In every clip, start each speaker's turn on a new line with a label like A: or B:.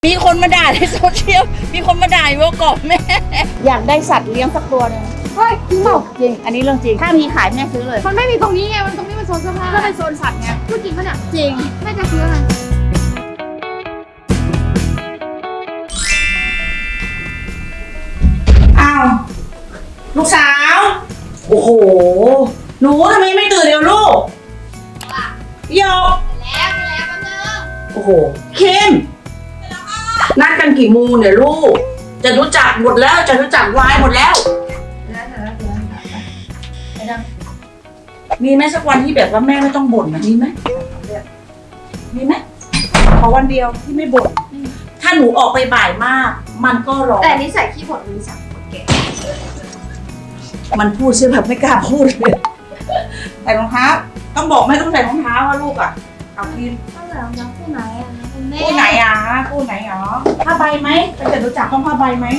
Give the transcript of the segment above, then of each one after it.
A: มีคนมาด่าในโซเชียล มีคนมาด่าว่ากรอบแม่ อยากได้สัตว์เลี้ยงสักตัวนึง
B: เฮ้ยจริงเปล่า
A: จริง อันนี้เรื่องจริง ถ้ามีขายแม่ซื้อเลย
B: มันไม่มีตรงนี้ไง มันตรงนี้มันโซนเสื้อผ้า
A: ก็เป็นโซนสัตว์ไง
B: พูดจริงปะเนี่ย
A: จริง
B: แม่จะซื้ออะไร
C: อ้าวลูกสาว โอ้โห หนูทำไมไม่ตื่นเร็วลูกโยก
B: แล้วแป๊บนึง
C: โอ้โหเข้มนัดกันกี่โมงเนี่ยลูก จะรู้จักหมดแล้ว จะรู้จักวายหมดแล้ว มีไหมสักวันที่แบบว่าแม่ไม่ต้องบ่นนะมีไหมมีไหมขอวันเดียวที่ไม่บ่นถ้าหนูออกไปบ่ายมาก มันก็รอ
B: แต่นิสัยขี้บ่นมีสักคนแก่
C: มันพูดใช่แบบไม่กล้าพูดเลยใส่รองเท้าต้องบอกไม่ต้องใส่รองเท้าว่าลูกอ่ะเอากิน
B: ต้องเหลือน้องคู่ไหนอ่ะคุณแม่
C: คู่ไหนอ่ะคู่ไหนอ๋อผ้าใบไหมจะรู้จักต้องผ้าใบไหม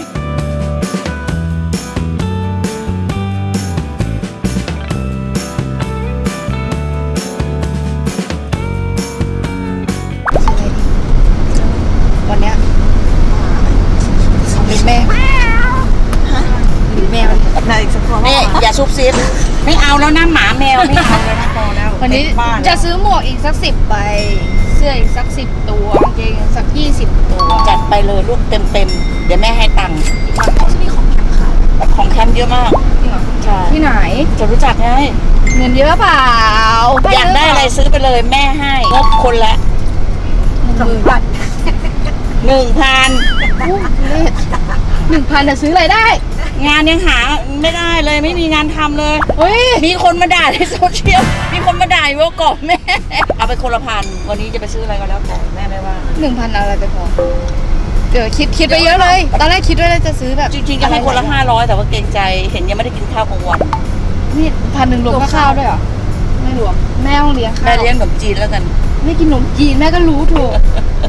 A: วันเนี้ยเป็นแม่แมวในสักตัวแม่อย่าซุบซิบไม่เอาแล้วนะหมาแมวไม่เอาแล้วนะพอแล้ว
B: วันนี้
A: บ้าน
B: จะซื้อหมวกอีกสัก10 ใบ เสื้ออีกสัก10 ตัวกางเกงสัก20 ตัว
A: จัดไปเลยลูกเต็มเดี๋ยวแม่ให้ตังค์
B: เขาจะมีของแถมขาย
A: ของแคมป์เยอะมาก
B: จริงเหรอ
A: ใช่
B: ที่ไหน
A: จะรู้จักไง
B: เงินเยอะเปล่า
A: อยากได้อะไรซื้อไปเลยแม่ให้งบคนละ
B: 10,000 บาท
A: 1,000
B: 1,000จะซื้ออะไรได้
A: งานยังหาไม่ได้เลยไม่มีงานทำเลย
B: เฮ้ย
A: มีคนมาด่าในโซเชียล มีคนมาด่าว่ากรอบแม่ เอาไปคนละพันวันนี้จะไปซื้ออะไรก็แล้วแต่แม่ไม่ว่า
B: 1,000เอาอะไรไปพอเดี๋ยวคิดไปเยอะเลย ตอนแรกคิดว่าจะซื้อแบบ
A: จริงๆจะให้คนละ500แต่ว่าเกรงใจเห็นยังไม่ได้กินข้าวกลางวัน
B: นี่1,000รวมค่าข้าวด้วยเหรอ ไม่รวม แม่ต้องเลี้ยงข้าว
A: แม่เลี้ยงขนมจีนแล้วกัน
B: ไม่กินขนมจีนแม่ก็รู้ถูก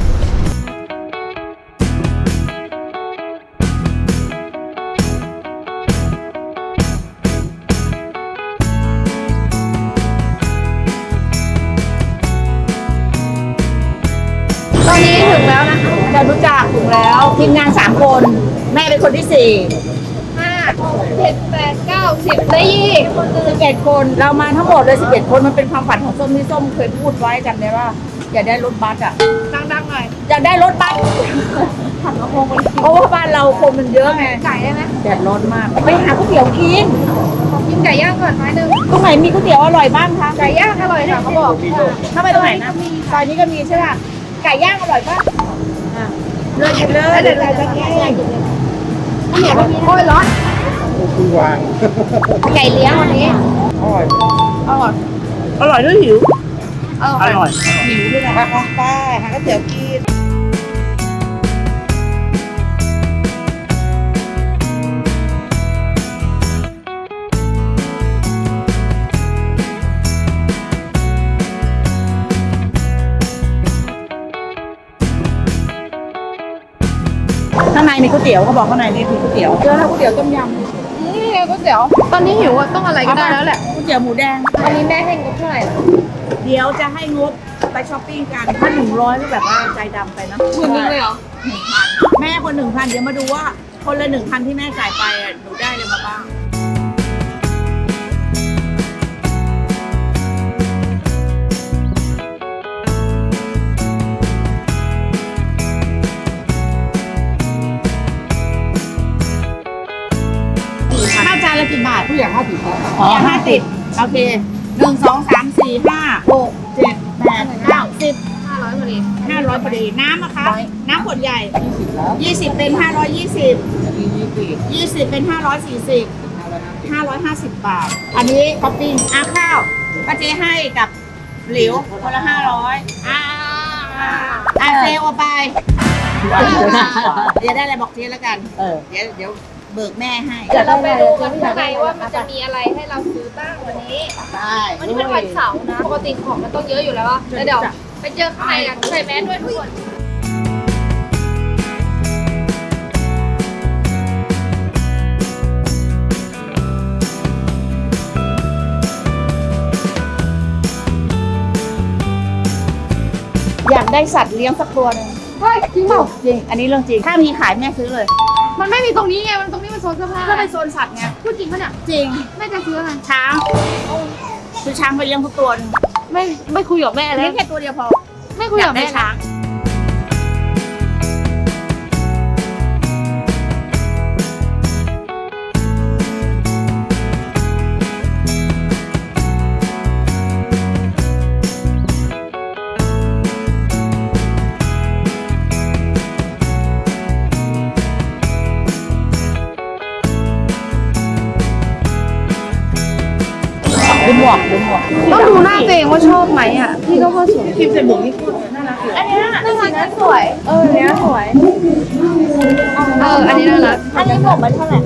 B: ตอนนี้ถึงแล้วนะคะ
A: จะรู้จักถึงแล้วทีมงาน3คน แม่เป็นคนที่4
B: 5 6 7 8 9 10ได้ยี่
A: 11 คนเรามาทั้งหมดเลย11 คนมันเป็นความฝันของส้มที่ส้มเคยพูดไว้จำได้ว่าอยากได้รถบัสอ่ะ
B: ดังๆหน่อย
A: อยากได้รถบัส
B: ผัดกระเพงคน
A: เพราะว่าบ้านเราคนมันเยอะไง
B: ไก่ได้ไหม
A: แดดร้อนมากไปหาก๋วยเตี๋ยวกิน
B: ขอกินไก่ย่างก่อนไม้หนึ่ง
A: ตรงไหนมีก๋วยเตี๋ยวอร่อยบ้างคะ
B: ไก่ย่างอร่อยค่ะเขาบอก
A: ถ้าไปตรงไหนนะซอยนี้ก็มีใช่ป่ะไก่ย่างอร่อยป่ะเลือกกินเลยเดี๋ยวเราจะแก้ให้
B: ไม่เห็นว่าโอ้ยร้อน
A: ไก่เลี้ยงวันนี้
B: อร่อย
A: อร่อยด้วยหิว
B: อร่อย
A: หิวด้วยนะไปหาก๋วยเตี๋ยวกินข้างในมีก๋วยเตี๋ยวเขาบอกข้างในนี่มีก๋วยเตี๋ยวเจอแล้วก๋วยเตี๋ยวต้มยำ
B: นี่ไงก๋วยเตี๋ยวตอนนี้หิวอะต้องอะไรก็ได้แล้วแหละ
A: ก๋วยเตี๋ยวหมูแดง
B: วันนี้แม่ให้งบเท่าไหร่
A: เดี๋ยวจะให้งบไปช้อปปิ้งกันถ้า100ก็แบบว่าใจดำไปนะ
B: หมื่นนึงเลยเหรอ
A: แม่คน1,000เดี๋ยวมาดูว่าคนละ1,000ที่แม่จ่ายไปอ่ะหนูได้เลยมาบ้างข้าวจานละกี่บาทผู้ใหญ่50ครับอ๋อ50โอเค1 2 3 4 5 6 7 8 9 10
B: 500พอดี
A: 500พอดีน้ำนะคะน้ำขวดใหญ่20เป็น520 20เป็น540 550 บาท อันนี้ท็อปปิ้งข้าวป้าเจ๊ให้กับหลิวคนละ500เซลเอาไปเดี๋ยวได้อะไรบอกเจ๊แล้วกันเดี๋ยวเบิกแม่ให้
B: เดี๋ยวเราไปดูกันข้างในว่ามันจะมีอะไรให้เราซื้อบ้างวันนี้
A: ได้
B: วันนี้เป็นวันเสาร์นะ ปกติของมันต้องเยอะอยู่แล้วอะแล้วเดี๋ยวไปเจอข้างในกันใส่แมสด้วยทุกคน
A: อยากได้สัตว์เลี้ยงสักตัวนึง
B: เฮ้ยจริงเปล่า
A: จริง อันนี้เรื่องจริง ถ้ามีขายแม่ซื้อเลย
B: มันไม่มีตรงนี้ไงมันตรงนี้มันโซนเสื้อผ้า
A: ก็เป็นโซนสัตว์ไง
B: พูดจริงปะเนี่ย
A: จริง
B: แม่จะซื้ออะไร
A: ช้างซื้อช้างไปเลี้ยงทุกตัวหนึ่ง
B: ไม่คุยกับแม่แล้
A: เลี้
B: วย
A: งแค่ตัวเดียวพอ
B: ไม่คุย
A: อยา
B: กั
A: ก
B: บ
A: ได้
B: แม่
A: ช้าง ดูหมวก
B: ต้องดูหน้าตัวเองว่าชอบไหมอ่ะพี่ก็ว่าสวย
A: พิมพ์ใส่หมวกนี่พูดน่ารักเลย
B: อันนี้น่ารักสวยอันนี้สวยอันนี้น่ารัก
A: อันนี้หมวกมันเท่าไหร่คะ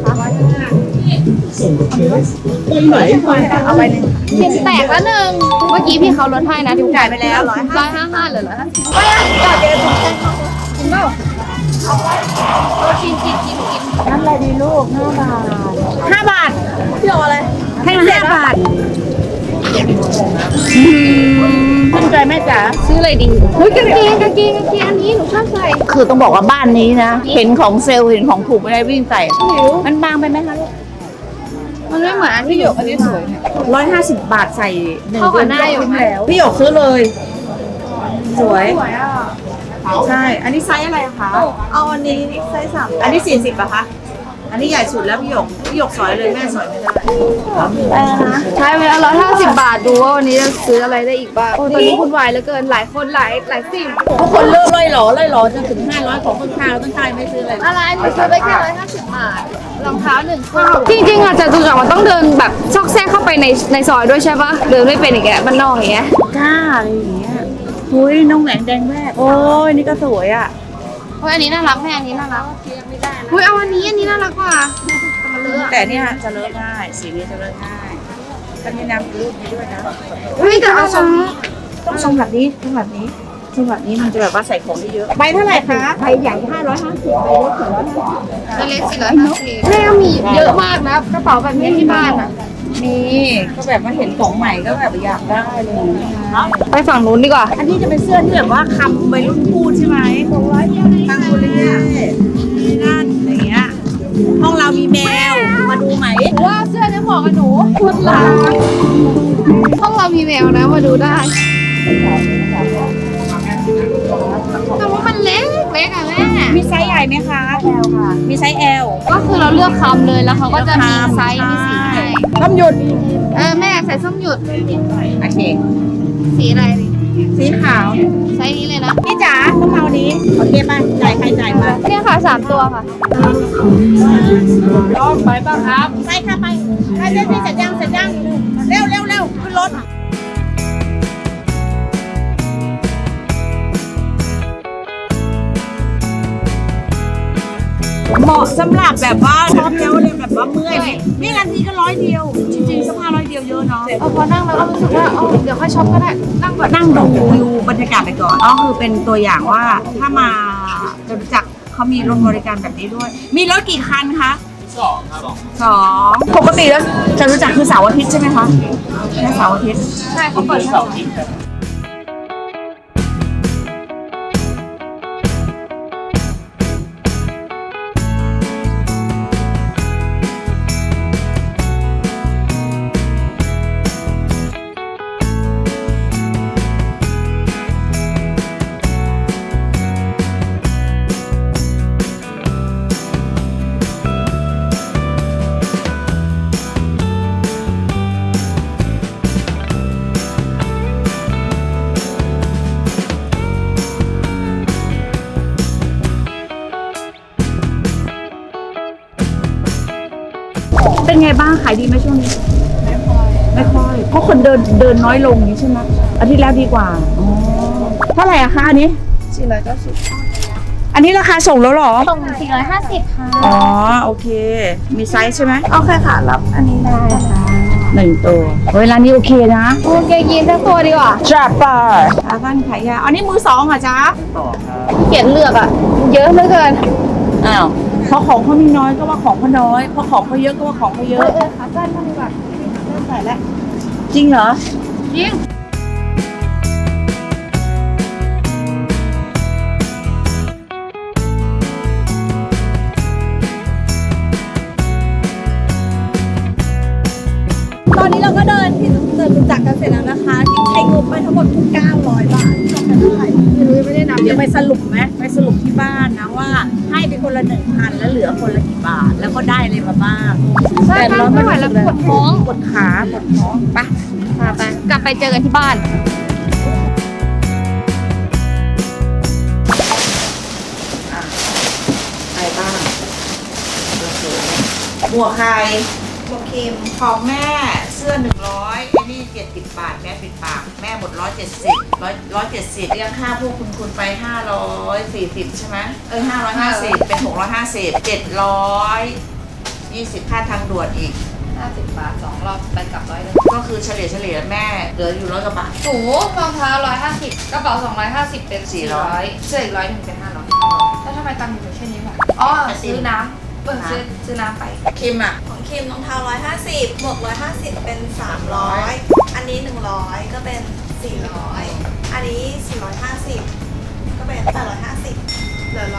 A: เอาไปหนึ่ง
B: เข็มแตกแล้วหนึ่งเมื่อกี้พี่เขาลดให้นะที่
A: จ่ายไปแล้ว
B: 155เหลือ150
A: ไม่อะจ่ายเดี๋ยวผมจะ
B: กินเปล่ากิน
A: น้ำอะไรดีลูก5 บาทพี่เอาอะไรให้มา5 บาทขึ้นใจแม่จ๋า
B: ซื้ออะไรดีเฮ้ยกางเกงอันนี้หนูชอบใส่
A: คือต้องบอกว่าบ้านนี้นะ เห็นของเซลล์เห็นของถูกไม่ได้วิ่งใส่ มันบางไปไหมคะลูก
B: มันไม่เหมือนอันที่อยู่อันนี้สวย
A: 150 บาทใส่1
B: เข้ากับหน้าอยู่
A: คุ้มแล้วพี่หยกซื้อเลย สวย
B: สวยอ่ะ
A: ใช่ อันนี้ไซส์อะไรคะ
C: เอาอันนี้ไซส์3
A: อันนี้40อะคะ อันนี้ใหญ่สุดแล้วพี่หยกสอยเลยแม่สอยไม่ได้
B: ใช้ไปแล้ว150 บาทดูว่าวันนี้จะซื้ออะไรได้อีกบ้างโอ้ตอนนี้วุ่นวายเหลือเกินหลายคนหลายสิ่ง
A: ทุกคนเลิกล่อยหล่อจนถึง500ของต้นข้าวต้นข้าวไม่ซื้ออะไร
B: อะไรหนูซื้อไปแค่150 บาทรองเท้า1คู่จริงๆอ่ะจตุจักรมันต้องเดินแบบซอกแซกเข้าไปในซอยด้วยใช่ปะเดินไม่เป็นอย่างเงี้ยมันนอกอย่างเงี้ย
A: กล้าอะไรอย่างเงี้ยหุยน้องแหวนแดงแรกโอ้ยนี่ก็สวยอ่ะ
B: เฮ้ยอันนี้น่ารักแม่อันนี้น่ารักเฮ้ยเอาอันนี้น่ารักกว่าแต่มันเลอะ
A: แต่เนี่ยจะเลอะง่ายสีนี้จะเลอะง่ายก็นี่นะรูปนี้ด้วยนะ
B: เฮ้ยแต่เอาทรง
A: ต้องทรงแบบนี้มันจะแบบว่าใส่ของได้เยอะใบเท่าไหร่คะใบใหญ่550ใบเล็ก450
B: เล็ก450แม่ก็มีเยอะมากนะกระเป๋าแบบนี้ที่บ้านอ่ะ
A: มีก็แบบว่าเห็นของใหม่ก็แบบอยากได้เลย
B: ไปฝั่งนู้นดีกว่า
A: อันนี้จะเป็นเสื้อที่แบบว่าคำวัยรุ่นพูดใช่ไหมตังกุเรียนี่นั่นอะไรเงี้ยห้องเรามีแมวมาดูไหม
B: ว่าเสื้อเนี่ยเหมาะกับหนูคุณหลาห้องเรามีแมวนะมาดูได้แต่ว่ามันเล็กอ่ะแม่
A: มีไซส์ใหญ่ไหมคะ L ค่ะมีไซส์ L
B: ก็คือเราเลือกคำเลยแล้วเขาก็จะมีไซส์มีสีให้
A: ต้มหยุด
B: แม่ใส่ส้มหยุด
A: โอเค
B: สีอะไรดิ
A: สีขาว
B: ไซส์นี้เลยนะ
A: พี่จ๋าต้องเอานี้โอเคป่ะจ่ายใครจ่ายมา
B: เนี่ยค่ะ3 ตัวค่ะ
A: ลองไปป่ะครับไปค่ะไปเร็วพี่เสร็จยังเร็วขึ้นรถเหมาะสำหรับแบบว่าชอบแล้วเลยแบบว่าเมื่อยนี่นาทีก็100 เดียว จริงๆเสื้อผ้า100 เดียวเยอะเนาะ
B: พอนั่งแล้วก็รู้สึกว่าเดี๋ยวค่อยช็อปก็ได้นั่งก่อน
A: นั่งดูบรรยากาศไปก่อนอ๋อคือเป็นตัวอย่างว่าถ้ามาจตุจักรเขามีรถบริการแบบนี้ด้วย มีรถกี่คันคะ2 ครับ2ปกติแล้วจตุจักรคือเสาร์อาทิตย์ใช่ไหมคะแค่เสาร์อาทิตย์
B: ใช่เขาเปิด
A: เป็นไงบ้างขายดีไหมช่วงนี้ไม่ค่อยเพราะคนเดินน้อยลงนี้ใช่ไหมอาทิตย์แล้วดีกว่าอ๋อเท่าไหร่อะคะอันนี้490อันนี้ราคาส่งแล้วเหรอ
B: ส่ง450ค่ะ
A: อ๋อโอเค มีไซส์ใช่ไหม
C: โอเคค่ะ รับอันนี้ได้ค่ะ
A: 1 ตัวเฮ้ยร้านนี้โอเคนะ
B: โอเคยีนสักตัวดีกว่า
A: จับปาอาบ้านขายยาอันนี้มือ2เหรอจ๊ะ
B: เขียนเลือกอ่ะ เยอะเหลือเกิน
A: อ้าวเพราะของเขามีน้อยก็ว่าของเขาน้อยเพราะของเขาเยอะก็ว่าของเขาเยอะ
B: ขาสั้นมากดีกว่า
A: ใส่แล้วจริงเหรอ
B: จริง
D: เราก็เดินที่เดินจากกันเสร็จแล้วนะคะที่ใช้งบไปทั้งหมด900 บาทจบกันเท่าไหร่
B: ไม่ได้นับ
C: เดี๋ยวไปสรุปไหมไปสรุปที่บ้านนะว่าให้ไปคนละ1,000แล้วเหลือคนละกี่บาท แล้วก็ได้อะไรมาบ้าง
B: ใช่ไม่ไหวแล้วปวดท้อง
C: ปวดขาปวดท้องไป
B: ไปกลับไปเจอกันที่บ้าน
C: อะไรบ้างหมวกใคร
D: โอเคม
C: ของแม่เสื้อ100ไอ้นี่70 บาทแม่ปิดปากแม่หมด170เรียกค่าพวกคุณไป540ใช่ไหม550เป็น650 720ค่าทางด่วนอีก
B: 50 บาท 2 รอบไปกลับ100เลย
C: ก็คือเฉลี่ยแม่เหลืออยู่100 กว่าบาท
B: หนูรองเท้า150กระเป๋า250เป็น400เสื้ออีก100นึงเป็น500แล้วทำไมตังค์อยู่แค่นี้วะอ๋อซื้อน้ำซื้อน้ำไป
C: คิมอ่ะ
D: ของคิมรองเท้า150บวก150เป็น300อันนี้100ก็เป็น400อันนี้450ก็เป็น850เหลือ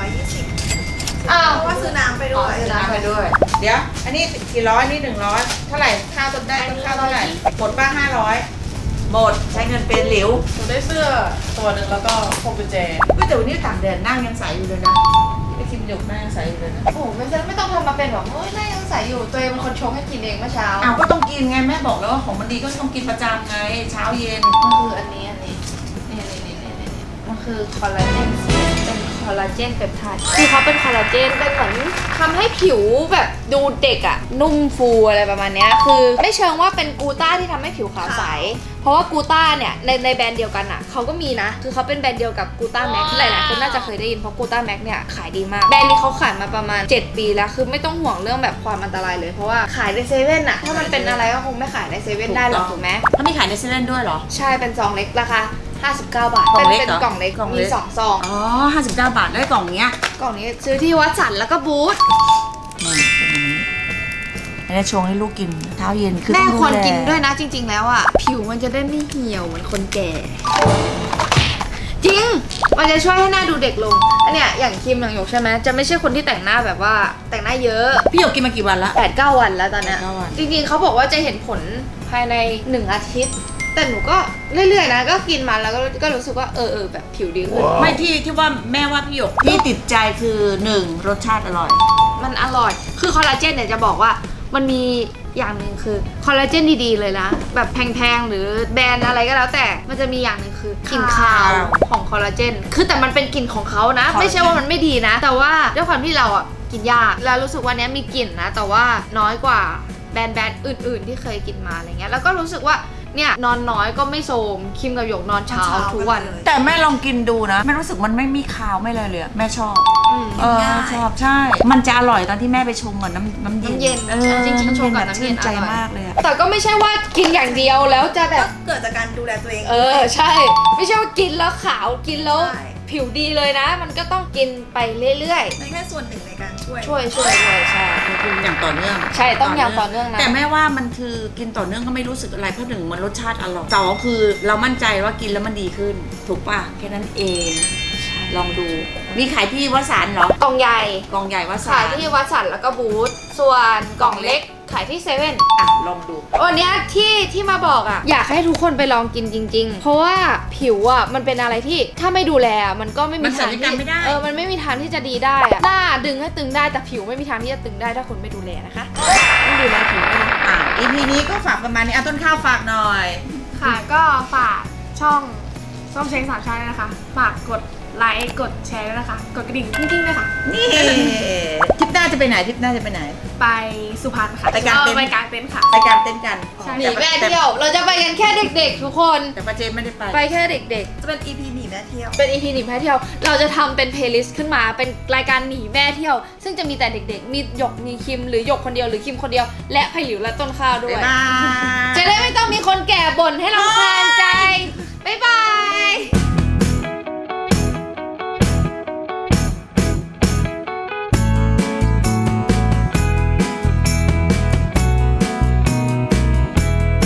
D: 120
B: อ้าว
D: เพราะว่าซื้อน้ำไปด้วย
B: ซื้อน้ำ
C: ไปด้วย เดี๋ยว อันนี้400นี่100เท่าไหร่ค่าต้นได้ต้นข้าวเท่าไหร่หมดป้า500หมดใช้เงินเป็นหลิว
E: หนูได้เสื้อตัวหนึ่งแล้วก็พวงกุญแจ
C: ก็แต่วันนี้ต่างแดดนั่งยังใสอยู่เลยนะไอ้คิมหยกนั่งยังใสอยู่เลยนะ
B: โอ้โหไม่ต้องทำมาเป็นแบบเฮ้ยน่ายังใส่อยู่ตัวเองเป็นคนชงให้กินเองเมื่อเช้า
C: อ้าวก็ต้องกินไงแม่บอกแล้วว่าของมันดีก็ต้องกินประจำไงเช้าเย็น
B: มันคืออันนี้นี่มันคือคอลลาเจนเป็นคอลลาเจนเปปไทด์คือเขาเป็นคอลลาเจนเป็นเหมือนทำให้ผิวแบบดูเด็กอะนุ่มฟูอะไรประมาณเนี้ยคือไม่เชิงว่าเป็นกูต้าที่ทำให้ผิวขาวใสเพราะว่ากูต้าเนี่ยในแบรนด์เดียวกันอะเขาก็มีนะคือเขาเป็นแบรนด์เดียวกับกูต้าแม็กหลายๆคนน่าจะเคยได้ยินเพราะกูต้าแม็กเนี่ยขายดีมากแบรนด์นี้เขาขายมาประมาณ7 ปีแล้วคือไม่ต้องห่วงเรื่องแบบความอันตรายเลยเพราะว่าขายในเซเว่นอะถ้ามันเป็นอะไรก็คงไม่ขายในเซเว่นได้หรอกถูกไหม
C: ถ้ามีขายในเซเว่นด้วยเหรอ
B: ใช่เป็นซองเล็กราคา59 บาท
C: กล่องเล็ก
B: เป็น
C: เหรอ
B: กล่องเล็ก
C: กล่องเล็
B: มี
C: ก
B: 2 ซอง
C: อ๋อ59 บาทได้กล่องเนี้ย
B: กล่องนี้ซื้อที่วัดสันแล้วก็บูธ
C: นี่เป็นอย่างนี้อันนี้ชงให้ลูกกินเช้าเย็นคือ
B: แม่
C: ต้องดู
B: ควร
C: แล
B: กินด้วยนะจริง ๆ แล้วอ่ะ ผิวมันจะได้ไม่เหี่ยวเหมือนคนแก่ จริง มันจะช่วยให้หน้าดูเด็กลง อันเนี้ยอย่างคิมอย่างหยกใช่ไหมจะไม่ใช่คนที่แต่งหน้าแบบว่าแต่งหน้าเยอะ
C: พี่หยกกินมากี่วันละ
B: 8-9 วันแล้วตอนเนี้ย
C: 8-9 วัน
B: จริงๆเขาบอกว่าจะเห็นผลภายใน1 อาทิตย์ แต่หนูก็เรื่อยๆนะก็กินมาแล้วก็รู้สึกว่าแบบผิวดีขึ้น
C: ไม่ที่ว่าแม่ว่าพี่หยกที่ติดใจคือ1รสชาติอร่อย
B: มันอร่อย คือคอลลาเจนเนี่ยจะบอกว่ามันมีอย่างหนึ่งคือคอลลาเจนดีๆเลยนะ แบบแพงๆหรือแบรนด์อะไรก็แล้วแต่ มันจะมีอย่างหนึ่งคือกลิ่นคาวของคอลลาเจน คือแต่มันเป็นกลิ่นของเขานะ ไม่ใช่ว่ามันไม่ดีนะ แต่ว่าด้วยความที่เราอ่ะกินยากแล้วรู้สึกว่าเนี้ยมีกลิ่นนะ แต่ว่าน้อยกว่าแบรนด์อื่นๆที่เคยกินมาอะไรเงี้ย แล้วก็รู้สึกว่าเนี่ยนอนน้อยก็ไม่โทรมคิมกับหยกนอนเช้าทุกวัน
C: แต่แม่ลองกินดูนะแม่รู้สึกมันไม่มีคาวไม่เลยเลยอะแม่ชอบ
D: ง่าย
C: ชอบใช่ มันจะอร่อยตอนที่แม่ไปชงกับน้ำเย็น
B: น้ำเย็น
C: เออ
B: จริงๆชงกับ
C: แบบ
B: น้ำเย็น
C: ชื่ใจ
B: อร่อย
C: มากเลยอะ
B: แต่ก็ไม่ใช่ว่ากินอย่างเดียวแล้วจะแบ
D: ก็
B: บ
D: เกิดจากการดูแลตัวเอง
B: ใช่ ไม่ใช่ว่ากินแล้วขาวกินแล้ว
D: ใช่
B: ผิวดีเลยนะ มันก็ต้องกินไปเรื่อย
D: ในแค่ส่วนหนึ่งในการช่วย
B: ๆ ช่วยใช่
C: กินอย่างต่อเนื่อง
B: ใช่ต้องอย่างต่อเนื่องนะ
C: แต่แม่ว่ามันคือกินต่อเนื่องก็ไม่รู้สึกอะไรเพราะหนึ่งมันรสชาติอร่อยสองคือเรามั่นใจว่ากินแล้วมันดีขึ้น ถูกป่ะแค่นั้นเอง ลองดู มีขายที่วัดสารเหรอก
B: ล่องใหญ่
C: กล่องใหญ่วัดสาร
B: ขายที่วัดสันแล้วก็บูธส่วนกล่องเล็กขายที่เซเว่น
C: อ่ะลองดู
B: วันเนี้ยที่มาบอกอ่ะอยากให้ทุกคนไปลองกินจริง ๆ เพราะว่าผิวอ่ะมันเป็นอะไรที่ถ้าไม่ดูแลอะมันก็ไม่มี
C: มันศั
B: ทาง
C: ลยกรรมไม่ได้
B: มันไม่มีทางที่จะดีได้อะหน้าดึงให้ตึงได้แต่ผิวไม่มีทางที่จะตึงได้ถ้าคนไม่ดูแลนะคะต้องดูแลผิวด้วยนะ
C: EP นี้ก็ฝากประมาณนี้ต้นข้าวฝากหน่อย
F: ค่ะก็ฝากช่องส้มเช้งสามชาติด้วยนะคะ ฝากกดไลค์กดแชร์ด้วยนะคะ กดกระดิ่งกิ้งๆด้วยค่ะ
C: นี่ทริปหน้าจะไปไหนทริปหน้าจะไปไหน
F: ไปสุพรรณค่ะ
C: ไปกางเต็นท์
F: ไปกางเต็นท์ค่ะ
C: ไปกางเต้นท์กัน
F: ใช่
B: หนีแม่เที่ยวเราจะไปกันแค่เด็กๆ ทุกคน
C: แต่ป้าเจมไม่ได้ไป
B: ไปแค่เด็ก
D: จะเป็น EP หนีแม่เที่ยว
B: ๆ เป็น EP หนีแม่เที่ยว เราจะทำเป็นเพลย์ลิสต์ขึ้นมาเป็นรายการหนีแม่เที่ยว ซึ่งจะมีแต่เด็กๆ มีหยกมีคิมหรือหยกคนเดียวหรือคิมคนเดียว และไผ่หลิวและต้นข้าวด้วย
C: บ๊ายบาย
B: จะได้ไม่ต้องมีคนแก่บ่นให้เราคาญ